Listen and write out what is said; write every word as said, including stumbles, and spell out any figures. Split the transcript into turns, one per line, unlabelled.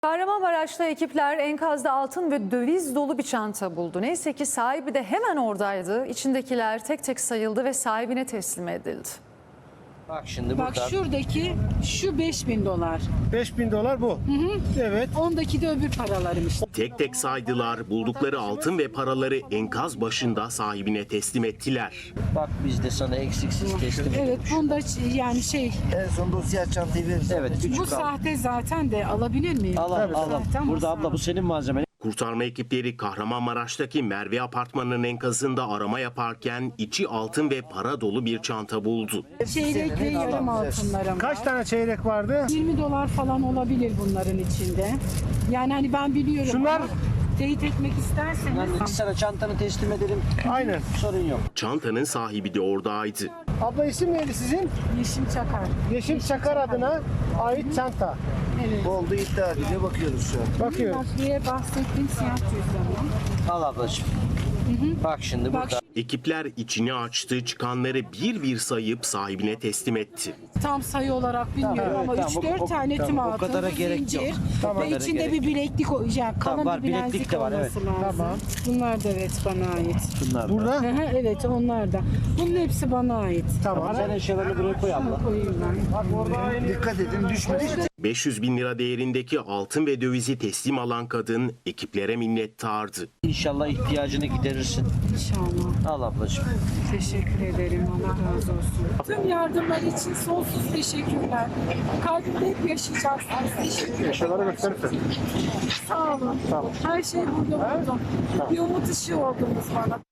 Kahramanmaraş'ta ekipler enkazda altın ve döviz dolu bir çanta buldu. Neyse ki sahibi de hemen oradaydı. İçindekiler tek tek sayıldı ve sahibine teslim edildi.
Bak şimdi
Bak
burada.
şuradaki şu beş bin dolar.
beş bin dolar bu. Hı hı. Evet.
Ondaki de öbür paralarım işte.
Tek tek saydılar, buldukları altın ve paraları enkaz başında sahibine teslim ettiler.
Bak biz de sana eksiksiz teslim
Evet,
ediyoruz.
bunda yani şey
En son dosya çantayı verirsen.
Evet, küçük
bu
al.
sahte zaten de alabilir miyim?
Al al al. al.
Zaten
Burada
bu
abla bu senin malzemen.
Kurtarma ekipleri Kahramanmaraş'taki Merve Apartmanı'nın enkazında arama yaparken içi altın ve para dolu bir çanta buldu.
çeyrek ve yarım altınlarım
Kaç
var.
tane çeyrek vardı?
yirmi dolar falan olabilir bunların içinde. Yani hani ben biliyorum.
Şunlar-
ama teyit etmek isterseniz.
Yani biz sana çantanı teslim edelim.
Aynen.
Sorun yok.
Çantanın sahibi de oradaydı.
Abla isim neydi sizin?
Yeşim Çakar.
Yeşim Çakar adına ait çanta.
Evet.
Oldu iddia ediyor bakıyoruz şu an.
Bakıyoruz.
Bak diye bahsettiğim siyah cüzdanım.
Al ablacığım. Bak şimdi
Bak
burada.
Ekipler içini açtı, çıkanları bir bir sayıp sahibine teslim etti.
tam sayı olarak bilmiyorum ama
tamam,
üç
o-
dört
o-
tane
tamam,
tüm
o
altın,
kadara gerek
zincir
yok. Tamam,
ve
o kadara
içinde
gerek
bir bileklik, o- yani kalın
var,
bir
bileklik
bileklik
de var,
olması
evet.
lazım.
Tamam.
Bunlar da evet bana ait.
Bunlar da.
Burada.
Hı hı, evet onlar da. Bunun hepsi bana ait.
Tamam.
Sen eşyalarını buraya koy abla.
Koyayım ben.
Dikkat edin düşmesin.
beş yüz bin lira değerindeki altın ve dövizi teslim alan kadın ekiplere minnettardı.
İnşallah ihtiyacını giderirsin.
İnşallah.
Al ablacığım.
Teşekkür ederim. Allah razı olsun. Tüm yardımlar için sonsuz teşekkürler. Kalbimde hep yaşayacaksınız. Teşekkür ederim.
Eşyaları gösterirsen.
Sağ olun. Her şey burada buldum. Bir umut ışığı oldunuz bana.